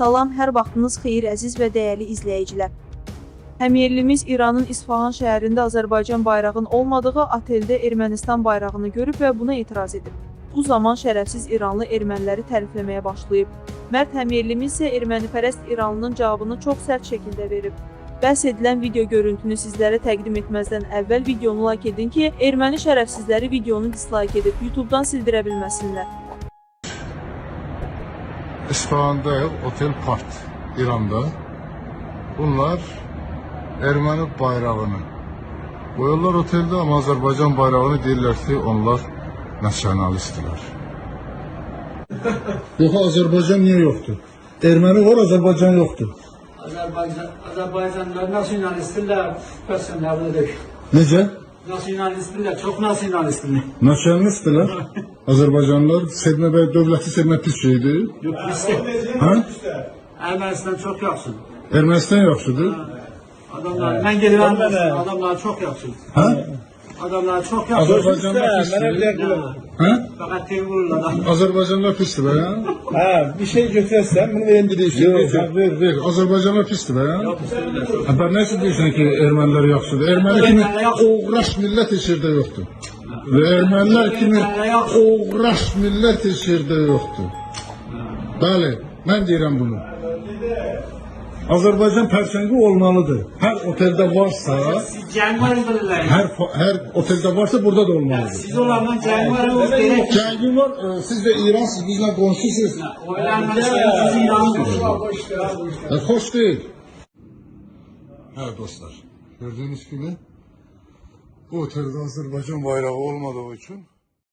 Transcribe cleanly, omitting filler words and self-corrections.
Salam, hər vaxtınız xeyir əziz və dəyərli izləyicilər. Həmyerlimiz İranın İsfahan şəhərində Azərbaycan bayrağının olmadığı oteldə Ermənistan bayrağını görüb və buna etiraz edib. Bu zaman şərəfsiz İranlı erməniləri tərifləməyə başlayıb. Mərd həmyerlimiz isə ermənipərəst İranlının cavabını çox sərt şəkildə verib. Bəhs edilən video görüntünü sizlərə təqdim etməzdən əvvəl videonu like edin ki, erməni şərəfsizləri videonu dislike edib YouTube-dan sildirə bilməsinlər. İsfahan'da Otel Part, İran'da. Bunlar Ermeni bayrağını koyuyorlar otelde ama Azerbaycan bayrağını deyirlər ki, onlar nasyonalistler. Yok, Azerbaycan niye yoktu? Ermeni var, Azerbaycan yoktu. Azerbaycanlılar nasyonalistler, personelleri. Nece? Nasyonalistler, çok nasyonalistler. Nasyonalistler. Azerbaycanlılar sevme ve devleti sevme pis şeydi. Yok bizde. Ha? Ermənistan çok yaxşı. Ermənistan yaxşıdır. Adamlar, ben gelirəm, adamlar çok yaxşı. Ha? Adamlar çok yaxşı. Azerbaycanlılar pisdir. Ha? Fakat terörürler. Azerbaycanlılar pisdir be ya. Ha, bir şey götürürsen bunu verin direysin. Yok, ver. Azerbaycanlılar pisdir be ya. Ha, ben nasıl diyorsun ki Ermeniler yaxşıdır? Ermeni kimi uğraş millət heç yerdə yoxdur. Ve Ermeniler kimi uğraş millət heç yerdə yoxdur. Bəli, mən deyirəm bunu. Azerbaycan pərçəngi olmalıdır. Her otelde varsa, Cəngvar bilirlər. her otelde varsa burada da olmalıdır. Siz olandan cəngvar oluz gerek. Cəngin var, siz de İran, siz bizimle komşusunuz. Oylanma siz İran'dır. Hoş değil. Evet dostlar, gördüğünüz gibi bu otelde Azerbaycan bayrağı olmadığı için